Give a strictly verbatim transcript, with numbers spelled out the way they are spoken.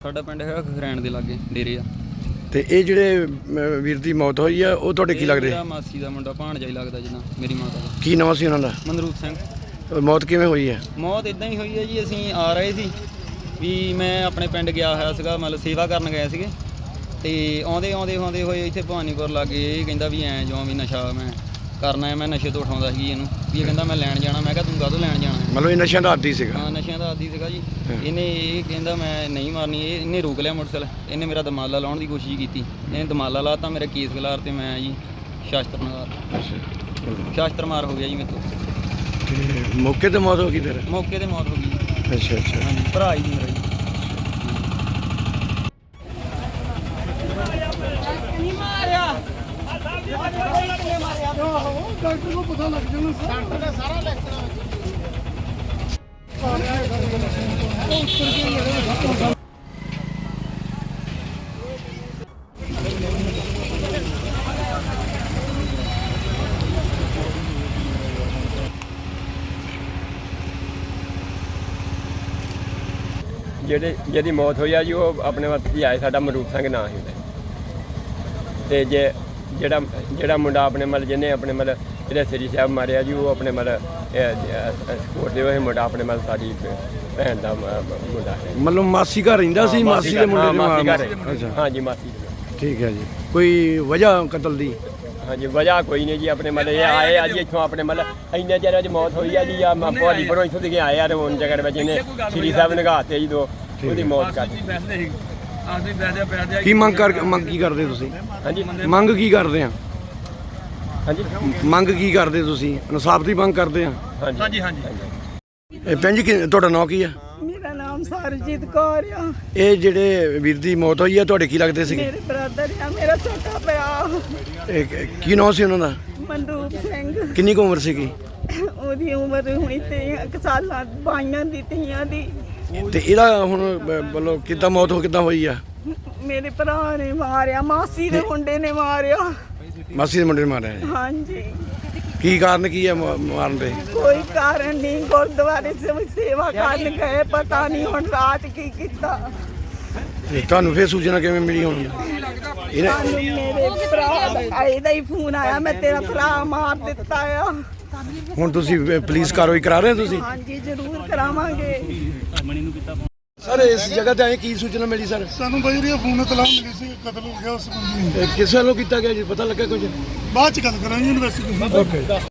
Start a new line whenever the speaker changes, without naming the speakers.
ਸਾਡਾ ਪਿੰਡ ਹੈਗਾ ਖਰੈਣ ਦੇ ਲਾਗੇ ਡੇਰੇ ਆ।
ਤੇ ਇਹ ਜਿਹੜੇ ਵੀਰ ਦੀ ਮੌਤ ਹੋਈ ਆ ਉਹ ਤੁਹਾਡੇ ਕੀ ਲੱਗਦੇ?
ਮੇਰਾ ਮਾਸੀ ਦਾ ਮੁੰਡਾ ਭਾਣਜਾ ਹੀ ਲੱਗਦਾ ਜਿੱਦਾਂ ਮੇਰੀ ਮਾਤਾ ਦਾ।
ਕੀ ਨਾਮ ਸੀ ਉਹਨਾਂ ਦਾ?
ਮਨਰੂਪ ਸਿੰਘ।
ਮੌਤ ਕਿਵੇਂ ਹੋਈ ਹੈ?
ਮੌਤ ਇਦਾਂ ਹੀ ਹੋਈ ਹੈ ਜੀ, ਅਸੀਂ ਆ ਰਹੇ ਸੀ ਵੀ ਮੈਂ ਆਪਣੇ ਪਿੰਡ ਗਿਆ ਹੋਇਆ ਸੀਗਾ, ਮਤਲਬ ਸੇਵਾ ਕਰਨ ਗਏ ਸੀਗੇ ਤੇ ਆਉਂਦੇ ਆਉਂਦੇ ਆਉਂਦੇ ਹੋਏ ਇੱਥੇ ਭਵਾਨੀਪੁਰ ਲਾਗੇ ਇਹ ਕਹਿੰਦਾ ਵੀ ਐਂ ਜਿਉਂ ਵੀ ਨਸ਼ਾ ਮੈਂ ਕਰਨਾ ਹੈ, ਮੈਂ ਨਸ਼ੇ ਤੋਂ ਉਠਾਉਂਦਾ ਸੀ ਇਹਨੂੰ ਵੀ ਇਹ ਕਹਿੰਦਾ ਮੈਂ ਲੈਣ ਜਾਣਾ। ਮੈਂ ਕਿਹਾ ਤੂੰ ਕਾਹਤੋਂ ਲੈਣ ਜਾਣਾ?
ਮਤਲਬ ਇਹ ਨਸ਼ਿਆਂ ਦਾ ਆਦੀ ਸੀਗਾ?
ਹਾਂ ਨਸ਼ਿਆਂ ਦਾ ਆਦੀ ਸੀਗਾ ਜੀ। ਇਹਨੇ ਇਹ ਕਹਿੰਦਾ ਮੈਂ ਨਹੀਂ ਮਾਰਨੀ, ਇਹ ਇਹਨੇ ਰੋਕ ਲਿਆ ਮੋਟਰਸਾਈਕਲ, ਇਹਨੇ ਮੇਰਾ ਦਮਾਲਾ ਲਾਉਣ ਦੀ ਕੋਸ਼ਿਸ਼ ਕੀਤੀ, ਇਹਨੇ ਦਮਾਲਾ ਲਾਤਾ, ਮੇਰਾ ਕੇਸ ਗਲਾਰ ਤੇ ਮੈਂ ਜੀ ਸ਼ਾਸਤਰ ਮਾਰ ਸ਼ਾਸਤਰ ਮਾਰ ਹੋ ਗਿਆ ਜੀ ਮੇਰੇ ਤੋਂ।
ਤੇ ਮੌਕੇ ਤੇ ਮੌਤ ਹੋ ਗਈ ਫਿਰ?
ਮੌਕੇ ਤੇ ਮੌਤ ਹੋ ਗਈ।
ਅੱਛਾ ਅੱਛਾ।
ਹਾਂਜੀ ਭਰਾ ਹੀ ਮੇਰਾ ਜੀ।
ਡਾਕਟਰ ਨੂੰ ਪਤਾ ਲੱਗ ਜਾਣਾ ਡਾਕਟਰ ਨੇ ਸਾਰਾ ਲੈਕਚਰ
ਜਿਹੜੇ ਜਿਹਦੀ ਮੌਤ ਹੋਈ ਆ ਜੀ ਉਹ ਆਪਣੇ ਵੱਤ ਹੀ ਆਏ, ਸਾਡਾ ਮਨਰੂਪ ਸਿੰਘ ਨਾਂ ਸੀ ਉਹਦਾ। ਤੇ ਜੇ ਜਿਹੜਾ ਜਿਹੜਾ ਮੁੰਡਾ ਆਪਣੇ ਮਤਲਬ ਜਿਹਨੇ ਆਪਣੇ ਮਤਲਬ ਜਿਹੜੇ ਸ੍ਰੀ ਸਾਹਿਬ ਮਾਰਿਆ ਜੀ ਉਹ ਆਪਣੇ ਮਤਲਬ ਸਪੋਰਟ ਦੇ ਉਹ ਮੁੰਡਾ ਆਪਣੇ ਮਤਲਬ ਸਾਡੀ ਭੈਣ ਦਾ ਮੁੰਡਾ ਹੈ।
ਮਤਲਬ ਮਾਸੀ ਘਰ ਰਹਿੰਦਾ ਸੀ? ਮਾਸੀ ਦੇ ਮੁੰਡੇ ਦੇ ਮਾਰ?
ਅੱਛਾ ਹਾਂਜੀ ਮਾਸੀ।
ਠੀਕ ਹੈ ਜੀ। ਕੋਈ ਵਜ੍ਹਾ ਕਤਲ ਦੀ?
ਹਾਂਜੀ ਵਜ੍ਹਾ ਕੋਈ ਨਹੀਂ ਜੀ, ਆਪਣੇ ਮਤਲਬ ਇਹ ਆਏ ਆ ਜੀ ਇੱਥੋਂ ਆਪਣੇ ਮਤਲਬ ਇੰਨੇ ਚਿਰ 'ਚ ਮੌਤ ਹੋਈ ਆ ਜੀ। ਆ ਭਵਾਨੀ ਪਰੋਂ ਇੱਥੋਂ ਦੀ ਆਏ ਆ ਤੇ ਹੁਣ ਜਗ੍ਹਾ ਵਿੱਚ ਇਹਨੇ ਸ੍ਰੀ ਸਾਹਿਬ ਨਗਾਤੇ ਜੀ ਦੋ, ਉਹਦੀ ਮੌਤ ਕਰ ਦਿੱਤੀ।
ਕੀ ਮੰਗ ਕਰ ਮੰਗ ਕੀ ਕਰਦੇ ਤੁਸੀਂ?
ਹਾਂਜੀ
ਮੰਗ ਕੀ ਕਰਦੇ ਆ?
ਹਾਂਜੀ
ਮੰਗ ਕੀ ਕਰਦੇ ਤੁਸੀਂ? ਇਨਸਾਫ ਦੀ ਮੰਗ ਕਰਦੇ ਆ?
ਹਾਂਜੀ ਹਾਂਜੀ।
ਇਹ ਭੈਣ ਜੀ ਕੀ- ਤੁਹਾਡਾ ਨਾਂ ਕੀ ਆ?
ਮੇਰਾ ਨਾਮ ਸਰਜੀਤ ਕੌਰ ਆ।
ਇਹ ਜਿਹੜੇ ਵੀਰ ਦੀ ਮੌਤ ਹੋਈ ਆ ਤੁਹਾਡੇ ਕੀ ਲੱਗਦੇ ਸੀਗੇ?
ਮੇਰੇ ਬ੍ਰਦਰ ਆ, ਮੇਰਾ ਛੋਟਾ ਭਰਾ
ਇਹ ਕ- ਕੀ ਨਾਮ ਸੀ ਉਹਨਾਂ ਦਾ?
ਮਨਰੂਪ ਸਿੰਘ।
ਕਿੰਨੀ ਕੁ ਉਮਰ ਸੀਗੀ?
ਉਹਦੀ ਉਮਰ ਹੁਣੀ ਤੇਈਆਂ ਸਾਲਾਂ ਬਾਈਆਂ ਦੀ ਤੀਆਂ ਦੀ।
ਤੇ ਇਹਦਾ ਹੁਣ ਮਤਲਬ ਕਿੱਦਾਂ ਮੌਤ ਹੋ ਕਿੱਦਾਂ ਹੋਈ ਆ?
ਮੇਰੇ ਭਰਾ ਨੇ ਮਾਰਿਆ, ਮਾਸੀ ਦੇ ਮੁੰਡੇ ਨੇ ਮਾਰਿਆ।
ਮਾਸੀ ਦੇ ਮੁੰਡੇ ਨੇ ਮਾਰਿਆ ਜੀ।
ਹਾਂਜੀ
ਕੀ ਕਾਰਨ ਕੀ ਆ ਮ- ਮਾਰਨ ਦੇ?
ਕੋਈ ਕਾਰਨ ਨਹੀਂ, ਗੁਰਦੁਆਰੇ ਸੇ ਸੇਵਾ ਕਰਨ ਗਏ, ਪਤਾ ਨਹੀਂ ਹੁਣ ਰਾਤ ਕੀ ਕੀਤਾ।
ਤੇ ਤੁਹਾਨੂੰ ਫੇਰ ਸੂਚਨਾ ਕਿਵੇਂ ਮਿਲੀ ਹੁਣ? ਇਹਨੇ
ਸਾਨੂੰ ਮੇਰੇ ਭਰਾ ਦਾ ਇਹਦਾ ਹੀ ਫੋਨ ਆਇਆ, ਮੈਂ ਤੇਰਾ ਭਰਾ ਮਾਰ ਦਿੱਤਾ ਆ।
ਹੁਣ ਤੁਸੀਂ ਪੁਲਿਸ ਕਾਰਵਾਈ ਕਰਾ ਰਹੇ ਹੋ ਤੁਸੀਂ?
ਹਾਂਜੀ ਜ਼ਰੂਰ ਕਰਾਵਾਂਗੇ।
ਸਰ ਇਸ ਜਗ੍ਹਾ ਤੇ ਆਏ ਕੀ ਸੂਚਨਾ ਮਿਲੀ ਸਰ?
ਸਾਨੂੰ ਬਜਰੀਆ ਫੋਨ ਇਤਲਾਹ ਮਿਲੀ ਸੀ ਕਤਲ ਹੋ ਗਿਆ ਉਸ ਬੰਦੇ ਨੂੰ।
ਇਹ ਕਿਸ ਵੱਲੋਂ ਕੀਤਾ ਗਿਆ ਜੀ, ਪਤਾ ਲੱਗਾ ਕੁਝ?
ਬਾਅਦ ਚ ਗੱਲ ਕਰਾਂਗੇ ਇਨਵੈਸਟੀਗੇਸ਼ਨ।
ਓਕੇ।